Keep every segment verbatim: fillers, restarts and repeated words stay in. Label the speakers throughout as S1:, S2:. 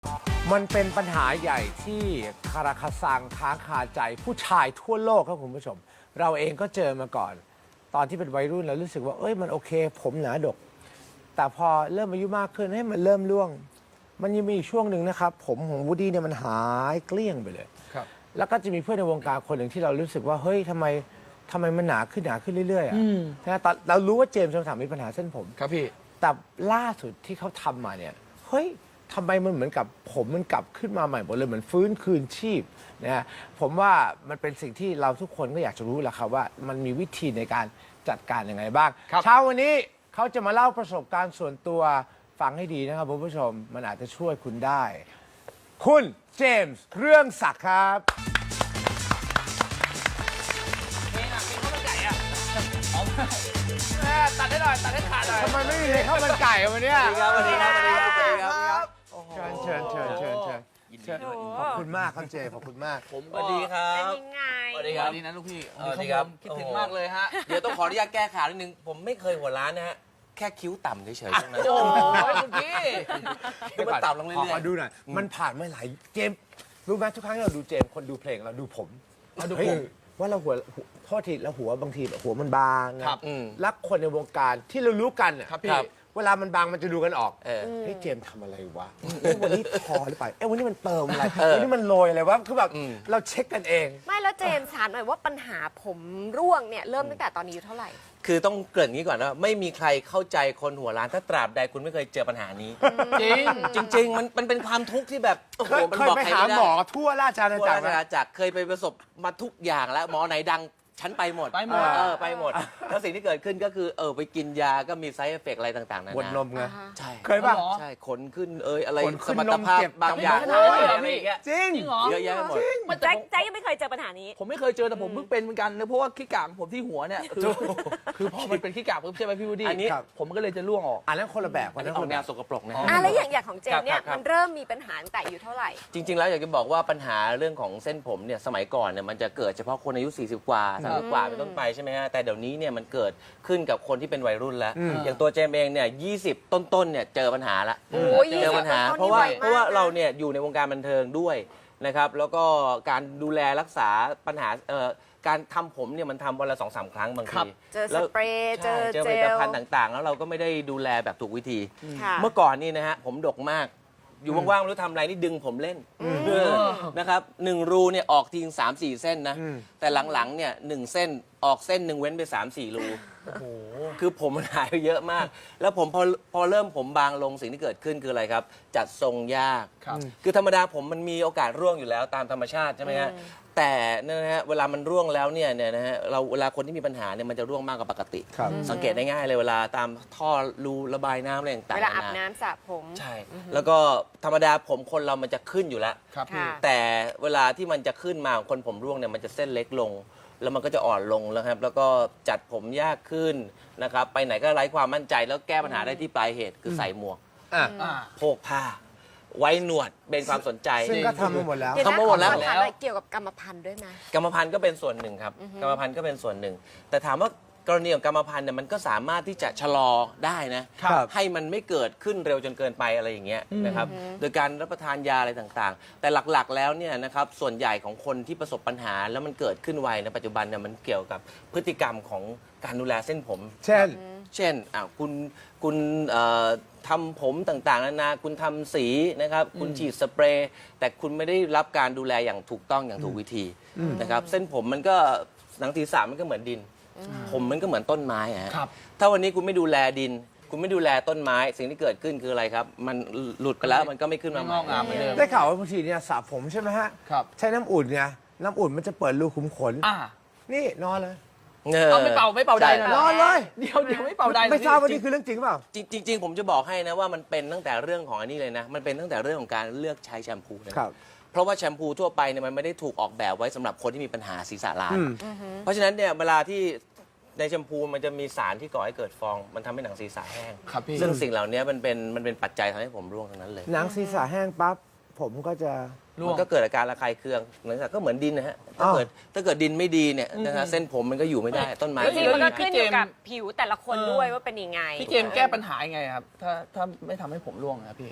S1: มันเป็นปัญหาใหญ่ที่คาราคาซังค้างคาใจผู้ชายทั่วโลกครับคุณผู้ชม เราเองก็เจอมาก่อน ตอนที่เป็นวัยรุ่นเรารู้สึกว่าเอ้ยมันโอเค ผมหนาดก แต่พอเริ่มอายุมากขึ้นให้มันเริ่มร่วง มันยังมีอีกช่วงหนึ่งนะครับ ผมของวูดดี้เนี่ยมันหายเกลี้ยงไปเลย
S2: ครับ
S1: แล้วก็จะมีเพื่อนในวงการคนหนึ่งที่เรารู้สึกว่าเฮ้ยทำไมทำไมมันหนาขึ้นหนาขึ้นเรื่อยๆอ่ะนะตอนเรารู้ว่าเจมส์จอมสันมีปัญหาเส้นผม
S2: ครับพี่
S1: แต่ล่าสุดที่เขาทำมาเนี่ยเฮ้ยทำไมมันเหมือนกับผมมันกลับขึ้นมาใหม่หมดเลยเหมือนฟื้นคืนชีพนะฮะผมว่ามันเป็นสิ่งที่เราทุกคนก็อยากจะรู้แหละครับว่ามันมีวิธีในการจัดการยังไงบ้าง
S2: ครับ
S1: เช้าวันนี้เขาจะมาเล่าประสบการณ์ส่วนตัวฟังให้ดีนะครับคุณผู้ชมมันอาจจะช่วยคุณได้ คุณเจมส์เรื่องศักดิ์ครับ
S2: ตัดได้หน่อยตัดได้ขาดหน่อย
S1: ทำไมไม่มีเลยข้าวมันไก่วันเนี้ย
S3: สวัสดีครับสวัสดีครับสวัสดีครับ
S1: เชิญเชิญเชิญเชิญเชิญ
S3: ยินดี
S1: เชิญ
S3: ด้วย
S1: ขอบคุณมากครับเจขอบคุณมาก
S3: ผมสวัสดีครั
S4: เป็น
S3: บ
S4: ยังไง
S3: สวัสดี
S2: ส
S3: ครับ
S2: วัสดีนะลูกพี่
S3: สวัสดีครับ
S2: คิดถึงมากเลยฮะ
S3: เดี๋ยวต้องขออนุญาตแก้ข่าวนิดนึง ผมไม่เคยหัวร้านนะฮะ แค่คิ้วต่ำเฉยๆตรงนั้น
S2: โอ้ยคุณพี่
S3: คิ้วมันต่ำลง
S1: ข
S3: เรื่
S1: อ
S3: อย
S1: ขอดูหน่อย มันผ่านมาหลายเจมส์รู้ไหมทุกครั้งที่เราดูเจมส์คนดูเพลงเราดูผมเราดูผมว่าเราหัวโทษทีเราหัวบางทีหัวมันบางนะครับ
S3: ๆอืม
S1: แล้วคนในวงการที่เรารู้กันน่ะ
S2: ครับพี่
S1: เวลามันบางมันจะดูกันออก
S3: เออ
S1: เฮ้ยเจมส์ทำอะไรวะเอ้ยวันนี้ทอหรือเปล่าเอ้ยวันนี้มันเติมอะไร
S3: เออ
S1: วันนี้มันโรยอะไรวะคือแบบ
S3: อืม
S1: เราเช็คกันเอง
S4: ไม่แล้วเจมส์ถามหน่อยว่าปัญหาผมร่วงเนี่ยเริ่มตั้งแต่ตอนนี้อายุเท่าไหร่
S3: คือต้องเกริ่นงี้ก่อนว่าไม่มีใครเข้าใจคนหัวร้านถ้าตราบใดคุณไม่เคยเจอปัญหานี้
S2: จริง
S3: จริง ๆ มันมันเป็นความทุกข์ที่แบบโอ้โห
S1: เคย
S3: มัน
S1: เคย
S3: บอก
S1: ไป
S3: ใคร
S1: หา
S3: ไม่ได้
S1: หมอทั่วราชอาณา
S3: ทั่ว
S1: จัก
S3: ราร ช
S1: ไหม
S3: อาณาจักรเคยไปประสบมาทุกอย่างแล้วหมอไหนดังฉันไปหมด
S2: ไปหมด
S3: เออไปหมด แล้วสิ่งที่เกิดขึ้นก็คือเออไปกินยาก็มีไซเอฟเฟกอะไรต่างๆนา
S1: บดน
S3: นา
S1: มไง
S3: ใช่
S1: เคยป่ะ
S2: อ๋อ
S3: ใช่ขนขึ้นเอยอะไร
S1: ขนขึ้
S3: ส
S1: น
S3: มรรถภาพ
S1: นมเจ็บบ
S3: างอย่าง
S2: โอ้ย
S3: อะไรอย่างเงี้ย
S1: จริง
S2: จริงเหรอ
S3: เยอะแยะไปหมด
S2: มัน
S4: แจ็
S2: แต่
S4: คแจ็คยังไม่เคยเจอปัญหานี้
S2: ผมไม่เคยเจอแต่ผมเพิ่งเป็นเหมือนกันนะเพราะว่าขี้กากของผมที่หัวเนี่ยคือคือพอมันเป็นขี้กากปุ๊บใช่ไหมพี่วูดดี้
S3: อันนี้
S1: ครับ
S2: ผมมันก็เลยจะร่วงออก
S1: อันนั้นคนละแบบ
S3: อัน
S1: น
S3: นี้
S1: นั้น
S3: อ
S1: ค
S3: อน ก
S1: ละ
S3: แน
S1: แบ
S3: ว
S1: บ
S3: สกปรกนะ
S2: อ๋อ
S3: ฮะ
S4: อ่ะแล้วอย่างอย่างของเจมส์เนี่ย
S3: ครับครับ
S4: มันเริ่มมีปัญหาตั้งแต่อายุเท่าไหร่
S3: จริง ๆ แล้วอยากจะบอกว่าปัญหาเรื่องของเส้นผมเนี่ยสมัยก่อนเนี่ยมันจะเกิดเฉพาะคนอายุ สี่สิบ กว่าสามสิบกว่าเป็นต้นไปใช่ไหมฮะแต่เดี๋ยวนี้เนี่ยมันเกิดขึ้นกับคนที่เป็นวัยรุ่นแล้ว อย่างตัวเจมส์เองเนี่ยยี่สิบต้นๆเนี่ยเจอปัญหาละ
S4: โอ้ย
S3: เจอปัญหา
S4: ยี่สิบ
S3: เพราะว่า
S4: ต้นๆนี่ไวมาก
S3: เพราะว่า
S4: นะ
S3: เราเนี่ยอยู่ในวงการบันเทิงด้วยนะครับแล้วก็การดูแลรักษาปัญหาเอ่อการทำผมเนี่ยมันทำวันละสองสามครั้งบาง
S2: ครั
S3: ที
S2: บ
S4: เจอส
S3: แล้ว
S4: เปรย์เจ
S3: ใช่
S4: อ
S3: เจอ
S4: เจ
S3: ผลิต
S4: ล
S3: ภัณฑ์ต่างๆ แล้วเราก็ไม่ได้ดูแลแบบถูกวิธี
S4: ค่ะ
S3: เมื่อก่อนนี่นะฮะผมดกมาก อยู่ว่างๆไม่รู้ทำอะไรนี่ดึงผมเล่นเออนะครับหนึ่งรูเนี่ยออกทีสามสี่เส้นนะ แต่หลังๆเนี่ยหนึ่งเส้นออกเส้นหนึ่งเว้นไปสามสี่รูคือผมมันหายไปเยอะมาก แล้วผมพอพอเริ่มผมบางลงสิ่งที่เกิดขึ้นคืออะไรครับ จัดทรงยาก
S2: ครับ
S3: คือธรรมดาผมมันมีโอกาสร่วงอยู่แล้วตามธรรมชาติใช่ไหมฮะแต่นั่นนะฮะเวลามันร่วงแล้วเนี่ยเนี่ยนะฮะเราเวลาคนที่มีปัญหาเนี่ยมันจะร่วงมากกว่าปกติ
S1: ครับ
S3: สังเกตได้ง่ายเลยเวลาตามท่อรูระบายน้ำอะไรต่างๆ
S4: เวลาอาบ
S3: ะ
S4: น้ำสระผม
S3: ใช่ แล้วก็ธรรมดาผมคนเรามันจะขึ้นอยู่แล้ว
S2: ครับพี่
S4: ค่ะ
S3: แต่เวลาที่มันจะขึ้นมาของคนผมร่วงเนี่ยมันจะเส้นเล็กลง แล้วมันก็จะอ่อนลงแล้วครับ แล้วก็จัดผมยากขึ้นนะครับ ไปไหนก็ไร้ความมั่นใจแล้วแก้ปัญหาได้ที่ปลายเหตุคือใส่หมวก
S1: อ่ะ
S2: อ่า
S3: โพกผ้า ไว้หนวดเป็นความสนใจ
S1: ซึ่งก็ทำมาหมดแล้ว
S4: เดี๋ยว
S3: ทำ
S4: นะ
S3: มาหมดแล้ว
S4: ขอถามหน่อยเกี่ยวกับกรรมพันธุ์ด้วยไหม
S3: กรรมพันธุ์ก็เป็นส่วนหนึ่งครับ กรรมพันธุ์ก็เป็นส่วนหนึ่ง แต่ถามว่ากรณีของกรรมพันธุ์เนี่ยมันก็สามารถที่จะชะลอได้นะ
S1: ครับ
S3: ให้มันไม่เกิดขึ้นเร็วจนเกินไปอะไรอย่างเงี้ยนะครับ โดยการรับประทานยาอะไรต่างๆ แต่หลักๆแล้วเนี่ยนะครับ ส่วนใหญ่ของคนที่ประสบปัญหาแล้วมันเกิดขึ้นไวในปัจจุบันเนี่ยมันเกี่ยวกับพฤติกรรมของการดูแลเส้นผม
S1: เช่น
S3: เช่นอ่ะคุณคุณเอ่อทำผมต่างๆนานาคุณทำสีนะครับ คุณฉีดสเปรย์ แต่คุณไม่ได้รับการดูแลอย่างถูกต้องอย่างถูกวิธีนะครับ เส้นผมมันก็หนังศีรษะมันก็เหมือนดิน ผมมันก็เหมือนต้นไม้อะฮะ
S2: ครับ
S3: ถ้าวันนี้คุณไม่ดูแลดิน คุณไม่ดูแลต้นไม้ สิ่งที่เกิดขึ้นคืออะไรครับ มันหลุดไปแล้วมันก็ไม่ขึ้นมา
S2: ไม่
S3: ให
S2: งอกงามเหมือนเดิม
S1: ได้ข่าวว่าบางทีเนี่ยสระผมใช่ไหมฮะ
S2: ครับ
S1: ใช้น้ำอุ่นไงน้ำอุ่นมันจะเปิดรูขุมขน
S2: อ่า
S1: นี่นอนเลย
S2: เอาไม่เป่าไม่เป่าใดหน่อย
S1: นอนเลย
S2: เดี๋ยวเดี๋ยวไม่เป่าใด
S1: ไม่ทราบว่านี่คือเรื่องจริงเปล่า
S3: จริงจริงๆผมจะบอกให้นะว่ามันเป็นตั้งแต่เรื่องของอันนี้เลยนะ มันเป็นตั้งแต่เรื่องของการเลือกใช้แชมพูนะ
S1: ครับ
S3: เพราะว่าแชมพูทั่วไปเนี่ยมันไม่ได้ถูกออกแบบไว้สำหรับคนที่มีปัญหาศีรษะล้าน
S1: อืม
S3: เพราะฉะนั้นเนี่ยเวลาที่ในแชมพูมันจะมีสารที่ก่อให้เกิดฟอง มันทำให้หนังศีรษะแห้ง
S2: ครับพี่
S3: ซึ่งสิ่งเหล่านี้มันเป็นมันเป็นปัจจัยทำให้ผมร่วงทั้งนั้นเลย
S1: หนังศีรษะแห้งปั๊บผมก็จะ
S2: ร่ว
S3: มั
S2: ง
S3: นก็เกิดอาการระคายเคืองหนังศีรษะก็เหมือนดินนะฮะถ้า
S1: อ้าว
S3: เกิดถ้าเกิดดินไม่ดีเนี่ยนะฮะเส้นผมมันก็อยู่ไม่ได้ต้นไม้
S4: จริงๆมันก็ขึ้นอยู่กับ
S2: พี่เจมส์
S4: ผิวแต่ละคนด้วยว่าเป็นยังไง
S2: พี่เจมส์แก้ปัญหายังไงครับ ถ้าถ้าไม่ทำให้ผมร่วงนะครับพี่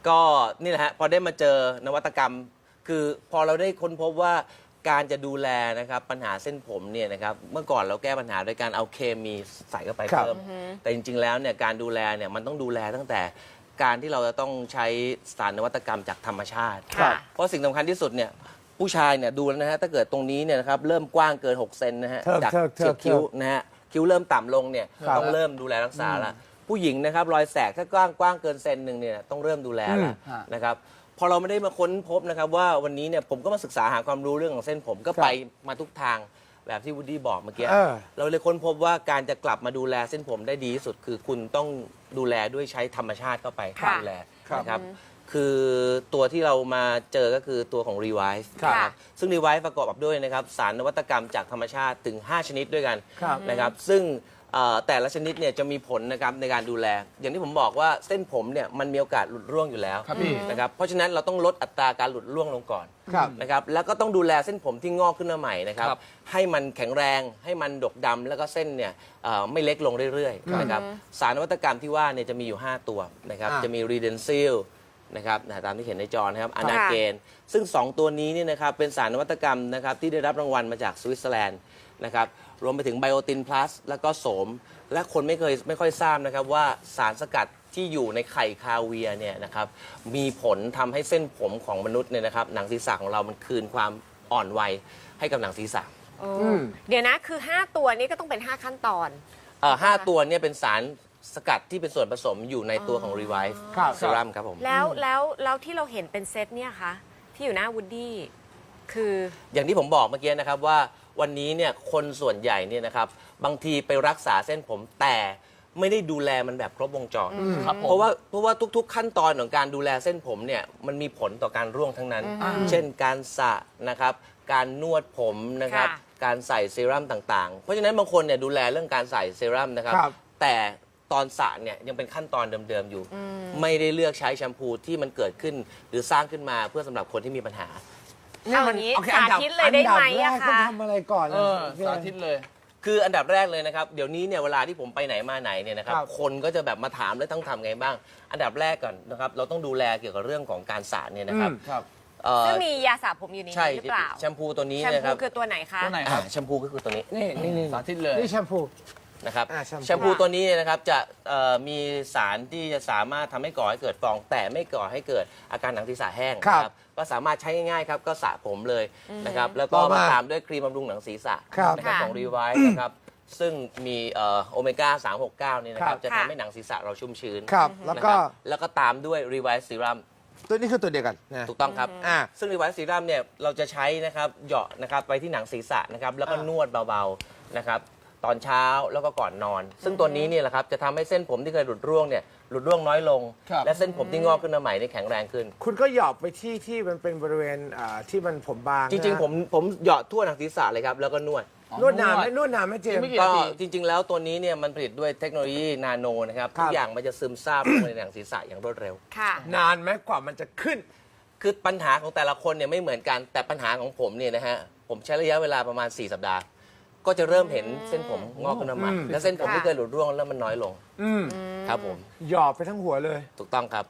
S3: ก็นี่แหละฮะพอได้มาเจอนวัตกรรม คือพอเราได้ค้นพบว่าการจะดูแลนะครับปัญหาเส้นผมเนี่ยนะครับเมื่อก่อนเราแก้ปัญหาโดยการเอาเคมีใส่เข้าไป
S1: ครับ
S3: เพิ่มแต่จริงๆแล้วเนี่ยการดูแลเนี่ยมันต้องดูแลตั้งแต่การที่เราจะต้องใช้สารนวัตกรรมจากธรรมชาติ
S4: ครับ
S3: เพราะสิ่งสำคัญที่สุดเนี่ยผู้ชายเนี่ยดูแล้วนะฮะถ้าเกิดตรงนี้เนี่ยนะครับเริ่มกว้างเกินหกเซนนะฮะ
S1: เทิบ
S3: จาก
S1: เทิบเทิบ
S3: เฉียบคิ้วนะฮะคิ้วเริ่มต่ำลงเนี่ย
S1: ครับ
S3: ต้องเริ่มดูแลรักษาละผู้หญิงนะครับรอยแสกถ้ากว้างกว้างเกินเซนหนึ่งเนี่ยต้องเริ่มดูแลละ
S2: อืม
S3: นะครับพอเราไม่ได้มาค้นพบนะครับว่าวันนี้เนี่ยผมก็มาศึกษาหาความรู้เรื่องของเส้นผมก็ไปมาทุกทางแบบที่วูดดี้บอกเมื่อกี้
S1: เออ
S3: เราเลยค้นพบว่าการจะกลับมาดูแลเส้นผมได้ดีที่สุด คือคุณต้องดูแลด้วยใช้ธรรมชาติเข้าไป
S4: ค่ะ
S3: ดูแลนะครับคือตัวที่เรามาเจอก็คือตัวของ Revive
S1: ครับ
S3: นะครับซึ่ง Revive ประกอบกับด้วยนะครับสารนวัตกรรมจากธรรมชาติถึง ห้า ชนิดด้วยกัน
S1: ครับ
S3: นะครับซึ่งเอ่อแต่ละชนิดเนี่ยจะมีผลนะครับในการดูแล อย่างที่ผมบอกว่าเส้นผมเนี่ยมันมีโอกาสหลุดร่วงอยู่แล้ว
S2: ครับพี่
S3: นะครับเพราะฉะนั้นเราต้องลดอัตราการหลุดร่วงลงก่อน
S1: ครับ
S3: นะครับแล้วก็ต้องดูแลเส้นผมที่งอกขึ้นมาใหม่นะครับ
S2: ครับ
S3: ให้มันแข็งแรงให้มันดกดำแล้วก็เส้นเนี่ยเอ่อไม่เล็กลงเรื่อยๆนะครับสารนวัตกรรมที่ว่าเนี่ยจะมีอยู่ ห้า ตัวนะครับ
S1: อ่า
S3: จะมี Redensil นะครับนะตามที่เห็นในจอนะครับอนาเกนซึ่ง สอง ตัวนี้เนี่ยนะครับเป็นสารนวัตกรรมนะครับที่ได้รับรางวัลมาจากสวิตเซอร์แลนด์นะครับรวมไปถึงไบโอตินพลัสแล้วก็โสม และคนไม่เคยไม่ค่อยทราบนะครับว่าสารสกัดที่อยู่ในไข่คาเวียร์เนี่ยนะครับมีผลทำให้เส้นผมของมนุษย์เนี่ยนะครับหนังศีรษะของเรามันคืนความอ่อนวัยให้กับหนังศีรษะ
S4: เออเดี๋ยวนะคือ ห้า ตัวนี้ก็ต้องเป็น ห้า ขั้นตอน
S3: เอ่อห้าตัวเนี่ยเป็นสารสกัดที่เป็นส่วนผสมอยู่ในตัวของ Revive
S1: ครับ
S3: Serum ครับผม
S4: แล้วแล้วแล้วที่เราเห็นเป็นเซตเนี่ยคะที่อยู่หน้าวูดดี้คือ
S3: อย่างที่ผมบอกเมื่อกี้นะครับว่าวันนี้เนี่ยคนส่วนใหญ่เนี่ยนะครับบางทีไปรักษาเส้นผมแต่ไม่ได้ดูแลมันแบบครบวงจร
S2: ครับผม
S3: เพราะว่าเพราะว่าทุกๆ ขั้นตอนของการดูแลเส้นผมเนี่ยมันมีผลต่อการร่วงทั้งนั้น เช่นการสระนะครับการนวดผมนะครับ
S4: ค่ะ
S3: การใส่เซรั่มต่างๆ เพราะฉะนั้นบางคนเนี่ยดูแลเรื่องการใส่เซรั่มนะครับ
S1: ครับ
S3: แต่ตอนสระเนี่ยยังเป็นขั้นตอนเดิมๆอยู่ ไม่ได้เลือกใช้แชมพูที่มันเกิดขึ้นหรือสร้างขึ้นมาเพื่อสำหรับคนที่มีปัญหา
S4: เอาอย่างนี้
S1: โอค
S4: สาธิตเลยได้ไหม
S1: อันดับแร
S4: อะ
S1: กต้อ
S4: คะ
S1: งทำอะไรก่อน
S2: เออ
S1: พี่
S2: สาธิตเลย
S3: คืออันดับแรกเลยนะครับเดี๋ยวนี้เนี่ยเวลาที่ผมไปไหนมาไหนเนี่ยนะครับ
S1: ครับ
S3: คนก็จะแบบมาถามแล้วต้องทำไงบ้าง อันดับแรกก่อนนะครับเราต้องดูแลเกี่ยวกับเรื่องของการสระเนี่ยนะครับ
S1: อืม
S2: ครับ
S3: เอ่อ
S4: ซึ่งมียาสระผมอยู่ใน
S3: ใช่
S4: นี้หรือเปล่า
S3: แชมพูตัวนี้
S4: แชม
S3: นะค
S4: พู
S3: รับ
S4: คือตัวไหนคะ
S2: ตัวไหน
S3: อ่าแชมพูก็คือตัวนี้
S1: นี่นี่นี่
S2: สาธิตเลย
S1: นี่แชมพู
S3: นะครับ
S1: อ่าแชมพู
S3: แชมพูตัวนี้เนี่ยนะครับจะเอ่อมีสารที่จะสามารถทำให้ก่อให้เกิดฟอง แต่ไม่ก่อให้เกิดอาการหนังศีรษะแห้ง
S1: ครับ
S3: นะครับก็สามารถใช้ง่ายๆครับก็สระผมเลยนะครับแล้วก็
S1: ต่อมา
S3: มาตามด้วยครีมบำรุงหนังศีรษะ
S1: ครับ
S3: นะครับ
S4: ค่ะ
S3: ของ Revive นะครับซึ่งมีเอ่อโอเมก้าสามหกเก้านี่นะครับ
S1: ครับ
S3: จะ
S4: ค่ะ
S3: ทำให้หนังศีรษะเราชุ่มชื้น
S1: ครับแล้วก็
S3: นะครับแล้วก็ตามด้วย Revive Serum
S1: ตัวนี้คือตัวเดียวกันนะ
S3: ถูกต้องครับ
S1: อ่า
S3: ซึ่ง Revive Serum เนี่ยเราจะใช้นะครับเหยาะนะครับไปที่หนังศีรษะนะครับแล้วก็
S1: อ่าน
S3: วดเบาๆนะครับตอนเช้าแล้วก็ก่อนนอน ซึ่งตัวนี้เนี่ยแหละครับจะทำให้เส้นผมที่เคยหลุดร่วงเนี่ยหลุดร่วงน้อยลง
S2: ครับ
S3: และเส้นผมที่งอกขึ้นมาใหม่เนี่ยแข็งแรงขึ้น
S1: คุณก็หยอบไปที่ที่มันเป็นบริเวณอ่าที่มันผมบาง
S3: จริง
S1: นะ
S3: ๆ ผมผมเหยาะทั่วหนังศีรษะเลยครับแล้วก็นวด
S1: นวดนานไหมนวดนานไหมเจม
S2: ไม่
S1: ส์
S2: กี่
S3: ก็
S2: นาที
S3: จริง ๆ แล้วตัวนี้เนี่ยมันผลิตด้วยเทคโนโลยีนาโนนะครับ
S1: ครับ
S3: ทุกอย่างมันจะซึมซาบลงในหนังศีรษะอย่างรวดเร็ว
S4: ค่ะ
S1: นานไหมกว่ามันจะขึ้น
S3: คือปัญหาของแต่ละคนเนี่ยไม่เหมือนกันแต่ปัญหาของผมเนี่ยนะฮะผมใช้ระยะเวลาประมาณ สี่ สัปดาห์ ก็จะเริ่มเห็นเส้นผมงอกขึ้นมาใหม่
S1: อืม
S3: และเส้นผม
S4: ค่ะ
S3: ที่เคยหลุดร่วงเริ่มมันน้อยลง
S1: อืม
S3: ครับผม
S1: หยอบไปทั้งหัวเลย
S3: ถูกต้องครับ